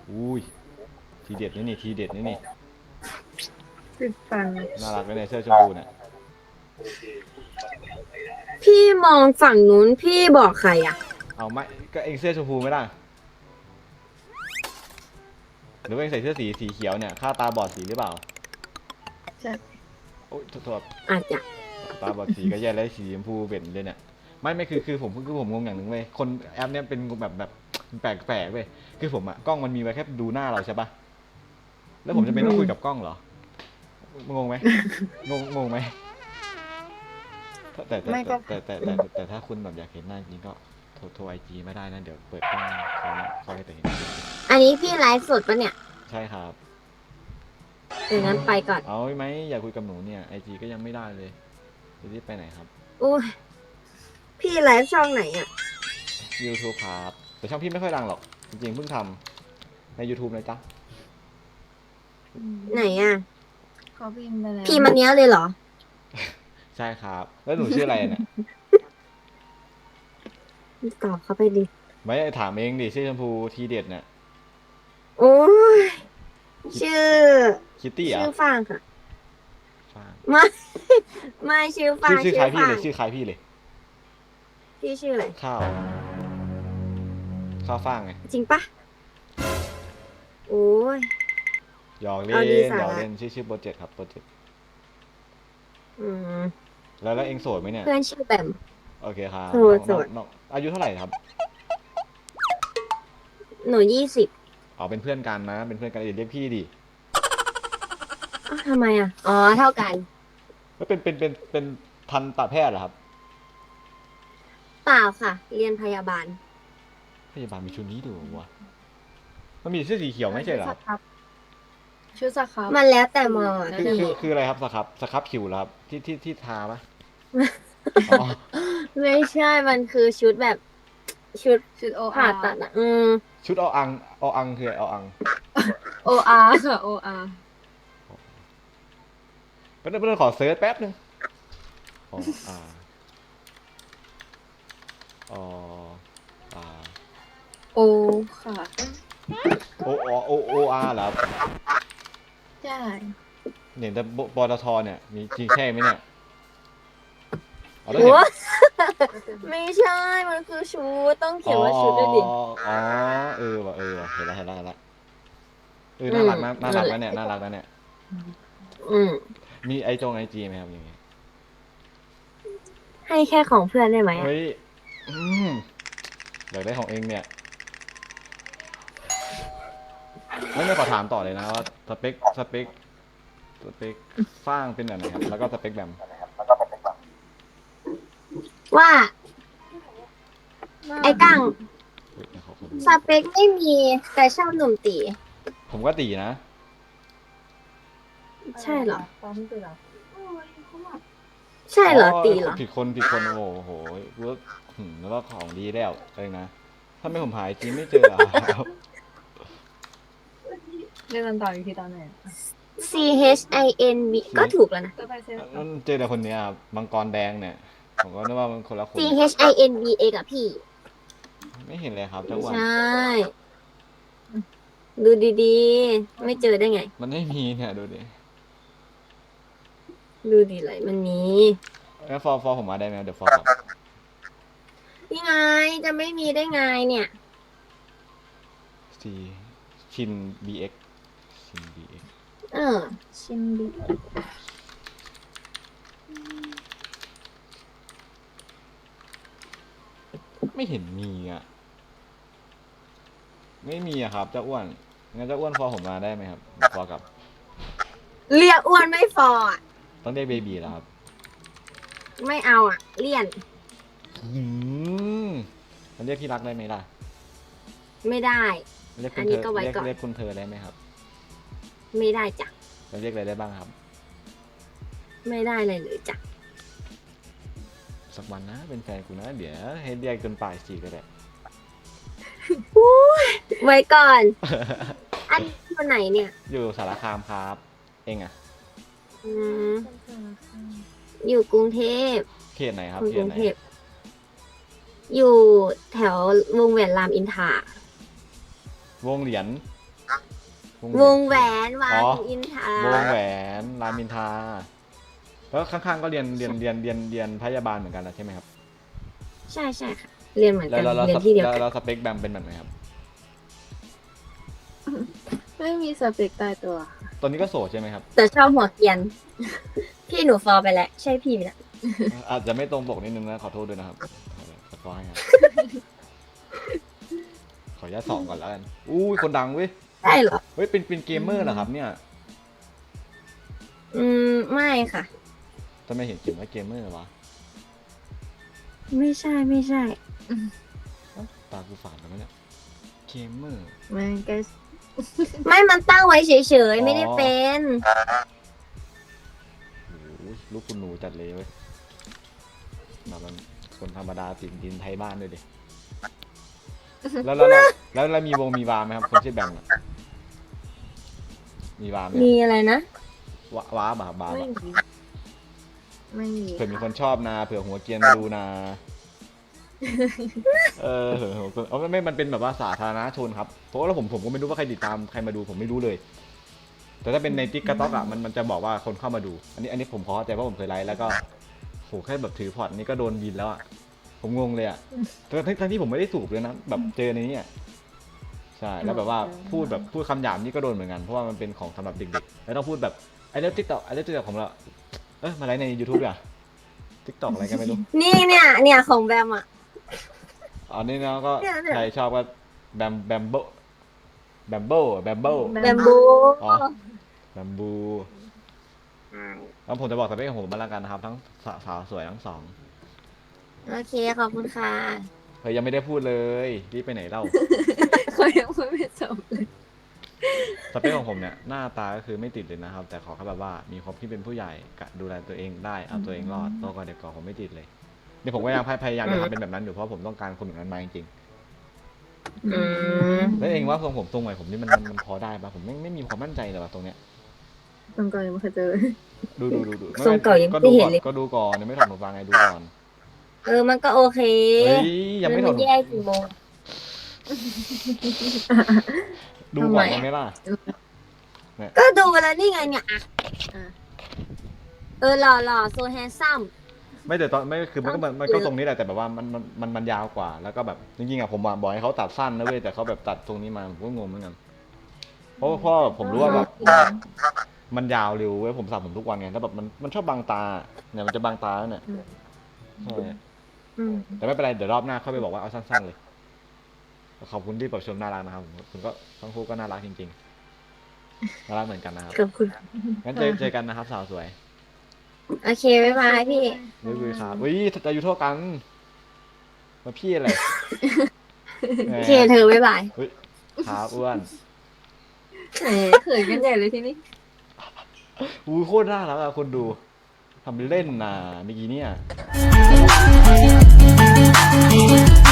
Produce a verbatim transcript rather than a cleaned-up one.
อุ้ยทีเด็ดนี่นี่ทีเด็ดนี่นี่ติดฟันน่ารักเลยเนี่ยเสื้อชมพูเนี่ยพี่มองฝั่งนู้นพี่บอกใครอ่ะเอาไม่ก็เองเสื้อชมพูไม่ได้หรือว่าเองใส่เสื้อสีสีเขียวเนี่ยข้าตาบอดสีหรือเปล่าใช่โอ๊ยโทษอาจจะตาบอดสีก็แย่แล้วสีชมพูเบ็ดเลยเนี่ยไม่ไม่คือคือผมคือผมงงอย่างหนึ่งเว้ยคนแอปเนี่ยเป็นแบบแบบแปลกแปลกเว้ยคือผมอะกล้องมันมีไว้แค่ดูหน้าเราใช่ปะแล้วผมจะเป็นต้องคุยกับกล้องเหรองงไหมงงงงไหมแต่แต่แต่แต่แต่แต่แต่ถ้าคุณแบบอยากเห็นหน้าจริงก็โทรโทรไอจีไม่ได้นะเดี๋ยวเปิดกล้องเขาเขาให้แต่เห็นอันนี้พี่ไลฟ์สดปะเนี่ยใช่ครับเดี๋ยวนั้นไปก่อนเอาไหมอยากคุยกับหนูเนี่ยไอจีก็ยังไม่ได้เลยจะรีบไปไหนครับอุ้ยพี่ไลฟ์ช่องไหนอ่ะ YouTube ครับแต่ช่องพี่ไม่ค่อยดังหรอกจริงๆเพิ่งทำใน YouTube เลยจ้ะไหนอ่ะเขาพิมพ์ไปแล้วพี่มันเนี้ยเลยเหรอใช่ครับแล้วหนูชื่ออะไรเนี่ยตอบเขาไปดิไม่ถามเองดิชื่อชมพูทีเด็ดเนี่ยโอ้ยชื่อคิตตี้อ่ะชื่อฟางค่ะฟางไม่ไม่ชื่อฟาชื่งอชื่อคล้ายพี่เลยชื่อคล้ายพี่เลยพี่ชื่ออะไรข้าวข้าวฟ่างไงจริงปะโอ้ยหยอกเล่นหยอกเล่นชื่อชื่อโปรเจกต์ครับโปรเจกต์อืมแล้วแล้วเองโสดไหมเนี่ยเพื่อนชื่อแบมโอเคครับโสดโสดน้องอายุเท่าไหร่ครับหนูยี่สิบอ๋อเป็นเพื่อนกันนะเป็นเพื่อนกันเรียกพี่ดิอ้าวทำไมอ่ะอ๋อเท่ากันแล้วเป็นเป็นเป็นเป็นทันตแพทย์เหรอครับเปล่าค่ะ เรียนพยาบาลพยาบาลมีชุดนี้ดูวะมันมีเสื้อสีเขียวไม่ใช่เหรอครับชุดสครับมันแล้วแต่มอคือคือคืออะไรครับสครับสครับผิวเหรอครับที่ที่ที่ทาปะอ๋อไม่ใช่มันคือชุดแบบชุดชุดโอผ่าอาตัดอ่ะอืมชุดเอาอังเอาอังคือเอาอังโออาค่ะโออาแป๊บนึงแป๊บนึงขอเซิร์ชแป๊บนึงอ๋ออ่าอ๋ออ่าโอค่ะโอโอโอโออาร์เหรอครับใช่เห็นแต่ปตทเนี่ยมีจริงใช่ไหมเนี่ยอ๋อแล้วโอ้เห็นไม่ใช่ มันคือชุดต้องเขียนว่าชุดด้วยดิอ๋ออ๋อเออว่ะเออว่ะเห็นแล้วเห็นแล้วเห็นแล้วเออน่ารักนะน่ารักนะเนี่ยน่ารักนะเนี่ยอืมมีไอจงไอจีไหมครับอย่างเงี้ยให้แค่ของเพื่อนได้ไหมอะเฮ้ยอืมอยากได้ของเองเนี่ยไม่ไม่ขอถามต่อเลยนะว่าสเปคสเปคสเปคสร้างเป็นแบบไหนครับแล้วก็สเปคแบบว่า ไอ้กังเฮ้ยขอขอสเปคไม่มีแต่ชอบหนุ่มตีผมก็ตีนะใช่เหรอตอนนี้คือเราใช่เหรอตีเหรอผิดคนผิดคนโอ้โหรู้แล้วก็ของดีแล้วเองนะถ้าไม่ผมหายจริงไม่เจออ่ะเรียกกันต่ออีกทีตอนไหน C H I N B ก็ถูกแล้วนะจะไปเซ็นเจอแต่คนเนี้ยมังกรแดงเนี่ยผมก็นึกว่ามันคนละคน C H I N B A กับพี่ไม่เห็นเลยครับเจ้าอ้วนใช่ ดูดีๆ ไม่เจอได้ไงมันไม่มีเนี่ยดูดิดูดีเลยมันมีงั้นฟอร์ฟอร์ผมมาได้ไหมเดี๋ยวฟอร์ครับนี่ไงจะไม่มีได้ไงเนี่ยซีชิน บี เอ็กซ์ ชิน บี เอ็กซ์เออชิมดีไม่เห็นมีอ่ะไม่มีอะครับเจ้าอ้วนงั้นเจ้าอ้วนฟอร์ผมมาได้ไหมครับฟอร์กับเรียกอ้วนไม่ฟอร์อะต้องเรียกเบบีแล้วครับไม่เอาอ่ะ เลี่ยนอืมมันเรียกที่รักได้ไหมล่ะไม่ได้เรียกคุอัณนเธนี้อก็ไว้เรียกก่อนเรียกคุณเธอได้ไหมครับไม่ได้จ้ะจะเรียกอะไรได้บ้างครับไม่ได้เลยเลยจ้ะสักวันนะเป็นแฟนกูนะเดี๋ยวให้เรียกจนปลายสีก็ได้ไว้ก่อน อันนี้คนไหนเนี่ยอยู่สารคามครับ เองอะอืมอยู่กรุงเทพเขตไหนครับคนเขกตรุงไหนเทพ อยู่แถววงแหวนรามอินทราวงเหรียญวงแหวนวาอ๋องอินทราวงแหวนรามอินทราแล้วข้างๆก็เรียนเรียนเรียนเรียนเรียนพยาบาลเหมือนกันนะใช่ไหมครับใช่ใช่ค่ะ เรียนเหมือนแล้กัวน แล้วแล้วเรียนที่เดียวแล้วกันแล้วสเปคแบมเป็นแบบไหนครับไม่มีสเปคตายตัวตอนนี้ก็โสดใช่ไหมครับแต่ชอบหัวเกรียน พี่หนูฟอลไปแล้ว ใช่พี่ไหมนะอาจจะไม่ตรงปกนิดนึงนะขอโทษด้วยนะครับขอโทษให้ครับขออนุญาตส่องก่อนแล้วกันอุ้ยคนดังเว้ยใช่เหรอเฮ้ยเป็นเป็นเกมเมอร์เหรอครับเนี่ยอืม ไม่ค่ะทำไมเห็นเขียนว่าเกมเมอร์วะไม่ใช่ไม่ใช่เอ้าตากูฝาดแล้วมั้ยเนี่ยเกมเมอร์มันก็ไม่มันตั้งไว้เฉยอ๋อๆ ไม่ได้เป็นโอ้โหลูกคุณหนูจัดเลยเว้ยแบบมันคนธรรมดาติดดินไทยบ้านด้วยดิแล้วแล้วแล้วแล้วแล้วมีวงมีวาไหมครับคนชื่อแบมอะมีวาไหมมีอะไรนะวาว้าบาบาไม่บะมีไม่มีเผื่อมีคนชอบนาเผื่อหัวเกรียนมาดูนา เออเผื่อหัวเกรียนเอาไม่ไม่มันเป็นแบบว่าสาธารณชนครับเพราะว่าผมผมก็ไม่รู้ว่าใครติดตามใครมาดูผมไม่รู้เลย แต่ถ้าเป็นในติ๊กต็อกอ่ะมันมันจะบอกว่าคนเข้ามาดู อันนี้อันนี้ผมพอเข้าใจเพราะผมเคยไลฟ์แล้วก็โหแค่แบบถือพอร์ตนี่ก็โดนบินแล้วอ่ะผมงงเลยอ่ะทั้งทั้งที่ผมไม่ได้สูบเลยนะแบบเจอในนี้อะใช่แล้วแบบว่าพูดแบบพูดคำหยาบนี่ก็โดนเหมือนกันเพราะว่ามันเป็นของสำหรับเด็กๆแล้วต้องพูดแบบไอ้เรื่องติ๊กต็อกไอ้เรื่องติ๊กต็อกของเราเอ้ยมาไลฟ์ใน ยูทูบ อ่ะติ๊กต็อกอะไรกันไม่รู้นี่เนี่ย เนี่ยของแบมอ่ะอันนี้นะก็เนี่ยเนี่ยใครชอบก็แบมแบมโบแบมโบแบมโบแบมบูอ๋อแบมบูแล้วผมจะบอกสเปคของผมมาแล้วกันนะครับ ทั้งสาสาวสวยทั้งสองโอเค ขอบคุณค่ะเฮ้ยยังไม่ได้พูดเลยรีบไปไหนเล่าเขายังพูดไม่จบเลยสเปคของผมเนี่ยหน้าตาก็คือไม่ติดเลยนะครับ แต่ขอแค่แบบว่ามีความที่เป็นผู้ใหญ่กะดูแลตัวเองได้เอาตัวเองรอดโตกว่าเด็กก่อนผมไม่ติดเลยนี่ผมก็ยังพยายามจะทำเป็นแบบนั้นอยู่เพราะผมต้องการคนแบบนั้นมาจริงอืมๆแล้วเองว่าทรงผมทรงใหม่ผมนี่มันมันมันพอได้ปะผมไม่ไม่มีความมั่นใจเลยว่ะตรงเนี้ยตรงก่อนยังไม่เคยเจอดูดูดูดูไม่ทรงเก่ายังก็ไม่ดูเห็ก่อน นเลยก็ดูก่อนยังไม่ถอดหูฟังไงดูก่อนเออ มันก็โอเคเฮ้ยยังไม่ถอดนหูแย่กี่โมงดูก่อนทำไมได้ไหมล่ะก็ดูแล้วนี่ไงเนี่ยอ่ะอ่ะเออหล่อหล่อโซแฮนซัมไม่แต่ตอนไม่คือมันก็มันมันก็ตรงนี้แหละแต่แบบว่ามันมันมันมันยาวกว่าแล้วก็แบบจริงๆอะผมบอกให้เขาตัดสั้นนะเว้ยแต่เขาแบบตัดตรงนี้มาผมก็งงเหมือนกันเพราะว่าเพราะผมรู้ว่าแบบมันยาวเร็วเว้ยผมสระผมทุกวันไงแล้วแบบมันมันชอบบังตาเนี่ยมันจะบังตาเนี่ยใช่อืมแต่ไม่เป็นไรเดี๋ยวรอบหน้าเข้าไปบอกว่าเอาสั้นๆเลยขอบคุณที่แบบชมน่ารักนะครับผมคุณก็ทั้งคู่ก็น่ารักจริงๆน่ารักเหมือนกันนะครับขอบคุณงั้นเจอเจอกันนะครับสาวสวยโอเค บ๊ายบายพี่บ๊ายบายครับอุ้ยอายุเท่ากันมาพี่อะไร แหมโอเค เธอ บ๊ายบายเฮ้ยขาอ้วนแหมเขินกันใหญ่เลยทีนี้อู้โคตรน่ารักอะคนดูทำเป็นเล่นน่ะเมื่อกี้เนี่ย